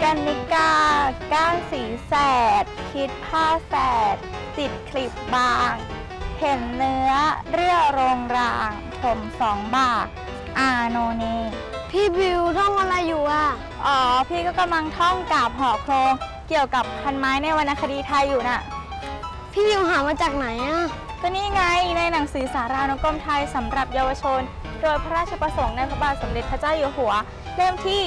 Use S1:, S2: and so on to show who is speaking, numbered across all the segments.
S1: กันนิกาก้านสีแสดคิดผ้าแสดติดคลิปบาง เห็นเนื้อเรื่อโรงรางผม2 บาทอาโนเน
S2: พี่บิวท่องอะไรอยู่อ่ะ
S1: อ๋อพี่ก็กำลังท่องกาบห่อโครงเกี่ยวกับพันไม้ในวรรณคดีไทยอยู่น่ะ
S2: พี่บิวหามาจากไหนอ่ะ
S1: ก็นี่ไงในหนังสือสารานุกรมไทยสำหรับเยาวชนโดยพระราชประสงค์ในพระบาทสมเด็จพระเจ้าอยู่หัวเล่มที่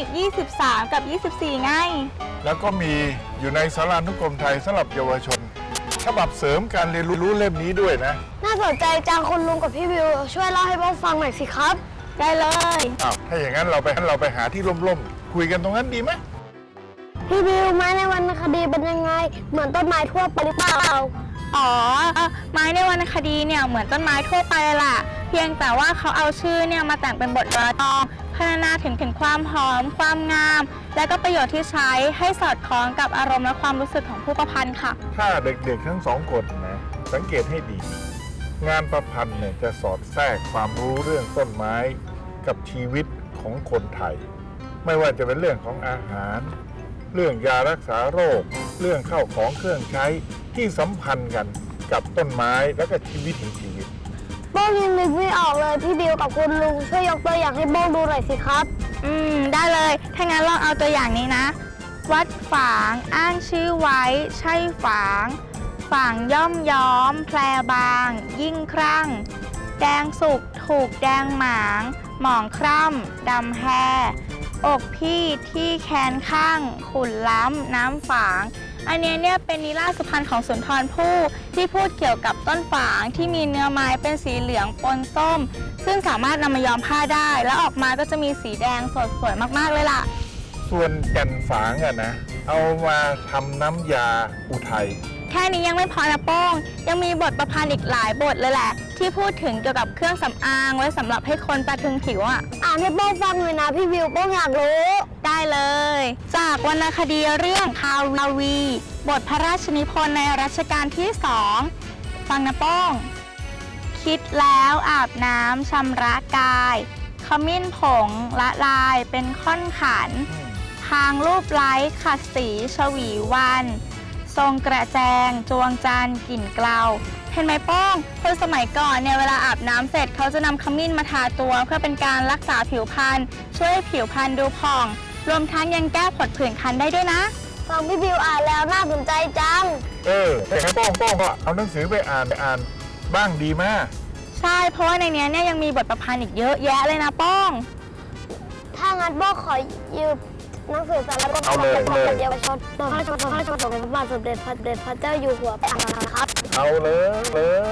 S1: 23 กับ 24 ไง
S3: แล้วก็มีอยู่ในสารานุกรมไทยสำหรับเยาวชนฉบับเสริมการเรียนรู้เล่มนี้ด้วยนะ
S2: น่าสนใจจังคุณลุงกับพี่บิวช่วยเล่าให้พวกฟังหน่อยสิครับ
S1: ได้เลย
S3: ถ้าอย่างนั้นเราไปหาที่ร่มๆคุยกันตรงนั้นดีไหม
S2: พี่บิวไม้ในวรรณคดีเป็นยังไงเหมือนต้นไม้ทั่วไปหรือเปล่า
S1: อ๋อไม้ในวรรณคดีเนี่ยเหมือนต้นไม้ทั่วไปเลยล่ะเพียงแต่ว่าเขาเอาชื่อเนี่ยมาแต่งเป็นบทกลอนพรรณนาถึงความหอมความงามและก็ประโยชน์ที่ใช้ให้สอดคล้องกับอารมณ์และความรู้สึกของผู้ประพันธ์ค่ะ
S3: ถ้าเด็กๆทั้ง2 คนนะสังเกตให้ดีงานประพันธ์เนี่ยจะสอดแทรกความรู้เรื่องต้นไม้กับชีวิตของคนไทยไม่ว่าจะเป็นเรื่องของอาหารเรื่องยารักษาโรคเรื่องข้าวของเครื่องใช้ที่สัมพันธ์กันกับต้นไม้และก็ชีวิต
S2: โบ้ยังนึกไม่ออกเลยพี่บิวกับคุณลุงช่วยยกตัวอย่างให้โบ้ดูหน่อยสิครับ
S1: ได้เลยถ้างั้นลองเอาตัวอย่างนี้นะวัดฝางอ้างชื่อไว้ใช่ฝางฝางย่อมย้อมแพรบางยิ่งครั่งแดงสุกถูกแดงหมางหมองคร่ำดำแฮอกพี่ที่แขนข้างขุ่นล้ำน้ำฝางอันนี้เนี่ยเป็นนิราศสุพรรณของสุนทรภู่ที่พูดเกี่ยวกับต้นฝางที่มีเนื้อไม้เป็นสีเหลืองปนส้มซึ่งสามารถนำมาย้อมผ้าได้แล้วออกมาก็จะมีสีแดงสดสวยมากๆเลยล่ะ
S3: ส่วนแก่นฝางนะเอามาทำน้ำยาอุทัย
S1: แค่นี้ยังไม่พอนะโป้งยังมีบทประพันธ์อีกหลายบทเลยแหละที่พูดถึงเกี่ยวกับเครื่องสำอางไว้สำหรับให้คนตาถึงผิว
S2: อ่านให้โป้งฟังหน่อยนะพี่บิวโป้งอยากรู้
S1: ได้เลยจากวรรณคดีเรื่องคาวีบทพระราชนิพนธ์ในรัชกาลที่2ฟังนะโป้งคิดแล้วอาบน้ำชำระกายขมิ้นผงละลายเป็นค่อนขันทางรูปไล้ขัดสีชวีวันทรงกระแจงจวงจันทร์กลิ่นเกลาเห็นไหมโป้งคนสมัยก่อนเนี่ยเวลาอาบน้ำเสร็จเขาจะนำขมิ้นมาทาตัวเพื่อเป็นการรักษาผิวพรรณช่วยให้ผิวพรรณดูผ่องรวมทั้งยังแก้ผดผื่นคันได้ด้วยนะ
S2: ฟังพี่บิวอ่านแล้วน่าสนใจจัง
S3: แต่ให้โป้งก็เอาหนังสือไปอ่านบ้างดีมาก
S1: ใช่เพราะว่าในนี้เนี่ยยังมีบทประพันธ์อีกเยอะแยะเลยนะโป้ง
S2: ถ้างั้นโป้งขอยืมหนังสือสารคดีเยาวชนพระราชประสงค์ในพระบาทสมเด็จพระเจ้าอยู่หัวไปอ่านนะครับ
S3: เอาเลย